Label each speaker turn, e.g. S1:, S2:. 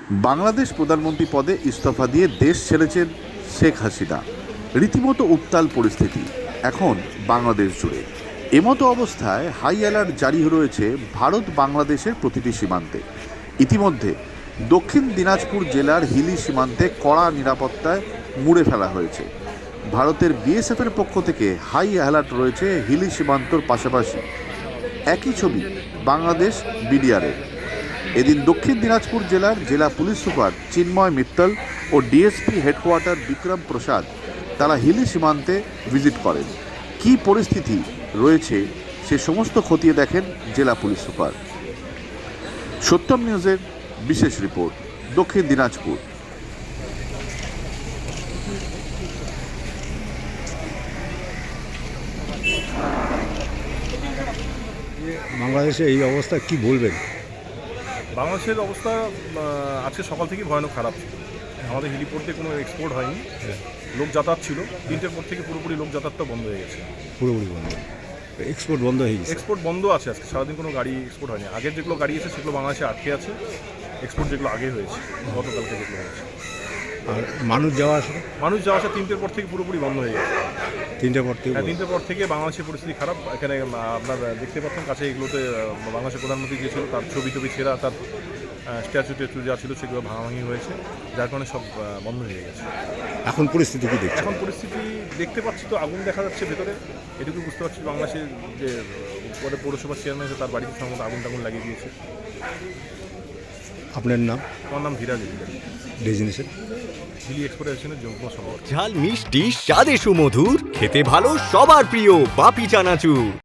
S1: বাংলাদেশ প্রধানমন্ত্রী পদে ইস্তফা দিয়ে দেশ ছেড়েছেন শেখ হাসিনা। রীতিমতো উত্তাল পরিস্থিতি এখন বাংলাদেশ জুড়ে। এমতো অবস্থায় হাই অ্যালার্ট জারি রয়েছে ভারত বাংলাদেশের প্রতিটি সীমান্তে। ইতিমধ্যে দক্ষিণ দিনাজপুর জেলার হিলি সীমান্তে কড়া নিরাপত্তায় মুড়ে ফেলা হয়েছে। ভারতের বিএসএফের পক্ষ থেকে হাই অ্যালার্ট রয়েছে হিলি সীমান্তর পাশাপাশি। একই ছবি বাংলাদেশ বিডিআরের। এদিন দক্ষিণ দিনাজপুর জেলার জেলা পুলিশ সুপার চিন্ময় মিত্তল ও ডিএসপি হেডকোয়ার্টার বিক্রম প্রসাদ তারা হিলি সীমান্তে ভিজিট করেন। কী পরিস্থিতি রয়েছে সে সমস্ত খতিয়ে দেখেন জেলা পুলিশ সুপার। সত্যম নিউজের বিশেষ রিপোর্ট, দক্ষিণ দিনাজপুর।
S2: বাংলাদেশে এই অবস্থা কি বলবেন?
S3: বাংলাদেশের অবস্থা আজকে সকাল থেকেই ভয়ানক খারাপ ছিল। আমাদের হেলিপোর্ট দিয়ে কোনো এক্সপোর্ট হয়নি, লোক যাতায়াত ছিল। 3টের পর থেকে পুরোপুরি লোক যাতায়াতটা বন্ধ হয়ে গেছে।
S2: পুরোপুরি বন্ধ, এক্সপোর্ট বন্ধ হয়ে গেছে।
S3: এক্সপোর্ট বন্ধ আছে আজকে সারাদিন, কোনো গাড়ি এক্সপোর্ট হয়নি। আগের যেগুলো গাড়ি আছে সেগুলো বাংলাদেশে আটকে আছে। এক্সপোর্ট যেগুলো আগে হয়েছে গতকালকে যেগুলো হয়েছে।
S2: আর মানুষ যাওয়া আসা
S3: 3টের পর থেকে পুরোপুরি বন্ধ হয়ে গেছে।
S2: 3টের পর থেকে?
S3: হ্যাঁ, 3টের পর থেকে বাংলাদেশের পরিস্থিতি খারাপ। এখানে আপনার দেখতে পাচ্ছেন কাছে এগুলোতে বাংলাদেশের প্রধানমন্ত্রী যে ছিল তার ছবি ছেঁড়া, তার স্ট্যাচু যা ছিল সেগুলো ভাঙাভাঙি হয়েছে, যার কারণে সব বন্ধ হয়ে গেছে।
S2: এখন পরিস্থিতি কি দেখছেন?
S3: এখন পরিস্থিতি দেখতে পাচ্ছি তো, আগুন দেখা যাচ্ছে ভেতরে। এটুকু বুঝতে পারছি বাংলাদেশের যে পরে পৌরসভার চেয়ারম্যান আছে তার বাড়িতে সম্ভবত আগুন লাগিয়ে দিয়েছে।
S2: আপনার নাম?
S3: আমার নাম ধীরাজ
S2: ডেজিনেশন?
S3: হিলি এক্সপোর্টেশনের যুগ্ম সম্পাদক।
S4: ঝাল মিষ্টি স্বাদে সুমধুর, খেতে ভালো সবার প্রিয় বাপি চানাচুর।